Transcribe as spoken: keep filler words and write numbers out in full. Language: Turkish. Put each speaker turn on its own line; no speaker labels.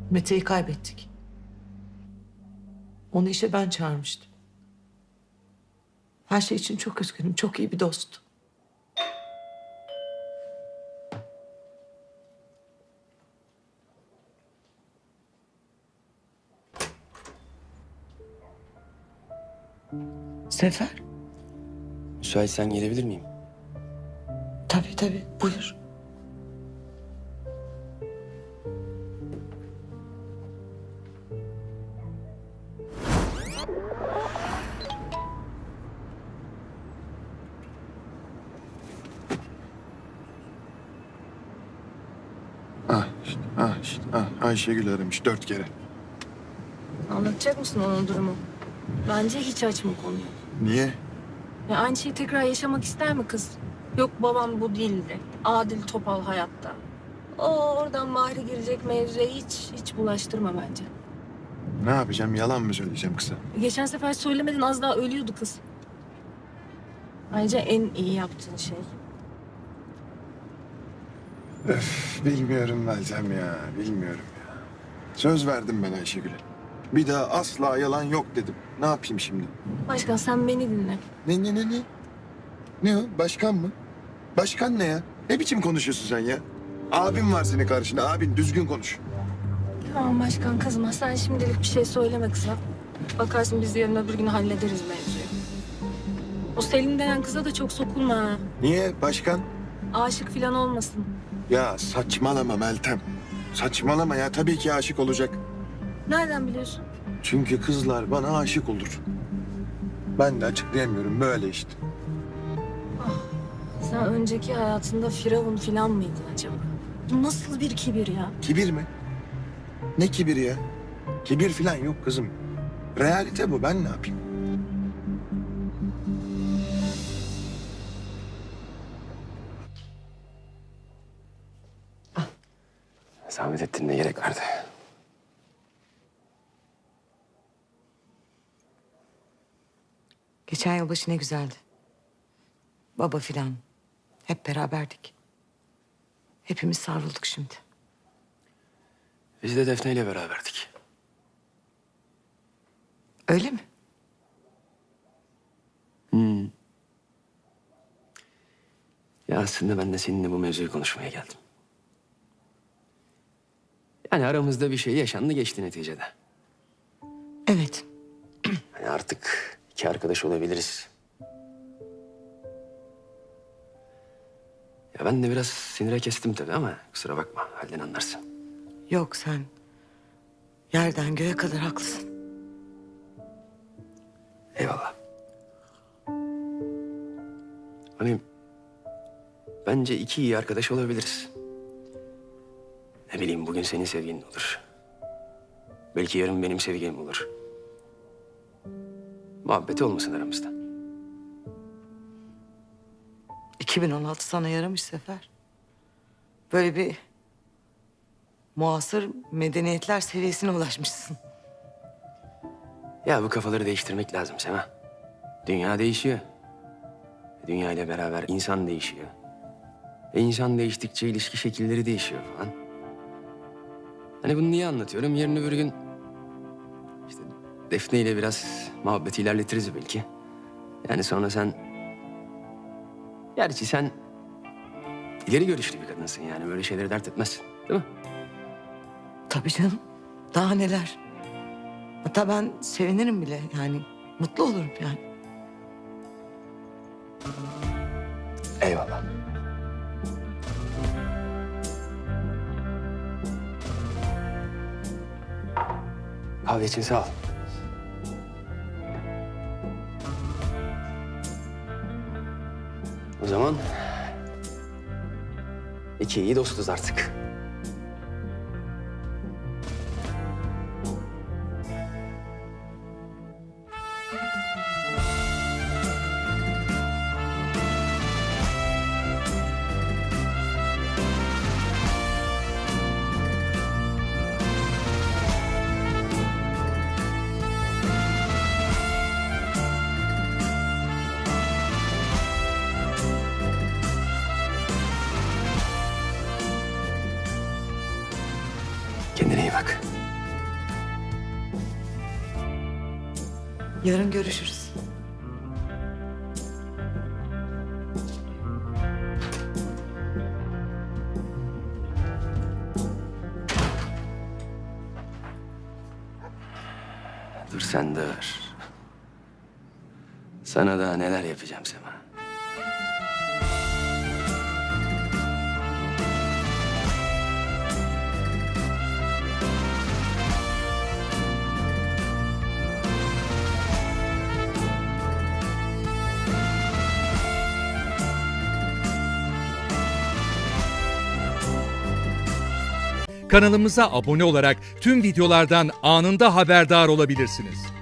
Mete'yi kaybettik. Onu işe ben çağırmıştım. Her şey için çok üzgünüm. Çok iyi bir dost. Sefer.
Müsaitsen gelebilir miyim?
Tabii tabii. Buyur.
Ah işte, ah işte, ah Ayşegül aramış dört kere.
Anlatacak mısın onun durumu? Bence hiç açma konuyu.
Niye?
Ya aynı şeyi tekrar yaşamak ister mi kız? Yok babam bu değildi. Adil Topal hayatta. O oradan Mahri girecek mevzuya hiç hiç bulaştırma bence.
Ne yapacağım? Yalan mı söyleyeceğim kıza?
Geçen sefer söylemedin az daha ölüyordu kız. Ayrıca en iyi yaptığın şey.
Bilmiyorum Meltem ya, bilmiyorum ya. Söz verdim ben Ayşegül'e. Bir daha asla yalan yok dedim. Ne yapayım şimdi?
Başkan sen beni dinle.
Ne ne ne ne? Ne o? Başkan mı? Başkan ne ya? Ne biçim konuşuyorsun sen ya? Abin var senin karşında. Abin düzgün konuş.
Tamam başkan kızma. Sen şimdilik bir şey söyleme kıza. Bakarsın biz yarın öbür gün hallederiz mevzuyu. O Selin denen kıza da çok sokulma ha.
Niye başkan?
Aşık falan olmasın.
Ya saçmalama Meltem. Saçmalama ya. Tabii ki aşık olacak.
Nereden biliyorsun?
Çünkü kızlar bana aşık olur. Ben de açıklayamıyorum. Böyle işte.
Sen önceki hayatında Firavun falan mıydın acaba? Bu nasıl bir kibir ya?
Kibir mi? Ne kibiri ya? Kibir falan yok kızım. Realite bu. Ben ne yapayım?
Zahmet ettin, ne gerek vardı?
Geçen yılbaşı ne güzeldi. Baba filan. Hep beraberdik. Hepimiz sarıldık şimdi.
Biz de Defne ile beraberdik.
Öyle mi?
Ya aslında ben de seninle bu mevzuyu konuşmaya geldim. Yani aramızda bir şey yaşandı geçti neticede.
Evet.
Yani artık iki arkadaş olabiliriz. Ya ben de biraz sinire kestim tabii ama kusura bakma, halden anlarsın.
Yok sen yerden göğe kadar haklısın.
Eyvallah. Hani bence iki iyi arkadaş olabiliriz. Ne bileyim, bugün senin sevgilin olur. Belki yarın benim sevgilim olur. Muhabbeti olmasın aramızda.
iki bin on altı sana yaramış Sefer. Böyle bir muasır medeniyetler seviyesine ulaşmışsın.
Ya bu kafaları değiştirmek lazım Sema. Dünya değişiyor. Dünya ile beraber insan değişiyor. E insan değiştikçe ilişki şekilleri değişiyor falan. Hani bunu niye anlatıyorum? Yarın öbür gün işte Defne ile biraz muhabbeti ilerletiriz belki. Yani sonra sen... Gerçi sen ileri görüşlü bir kadınsın, yani böyle şeyleri dert etmezsin, değil mi?
Tabii canım. Daha neler. Hatta ben sevinirim bile yani. Mutlu olurum yani.
Eyvallah. Kahve için sağ ol. O zaman iki iyi dostuz artık. Kendine iyi bak.
Yarın görüşürüz.
Dur sen dur. Sana daha neler yapacağım Sema.
Kanalımıza abone olarak tüm videolardan anında haberdar olabilirsiniz.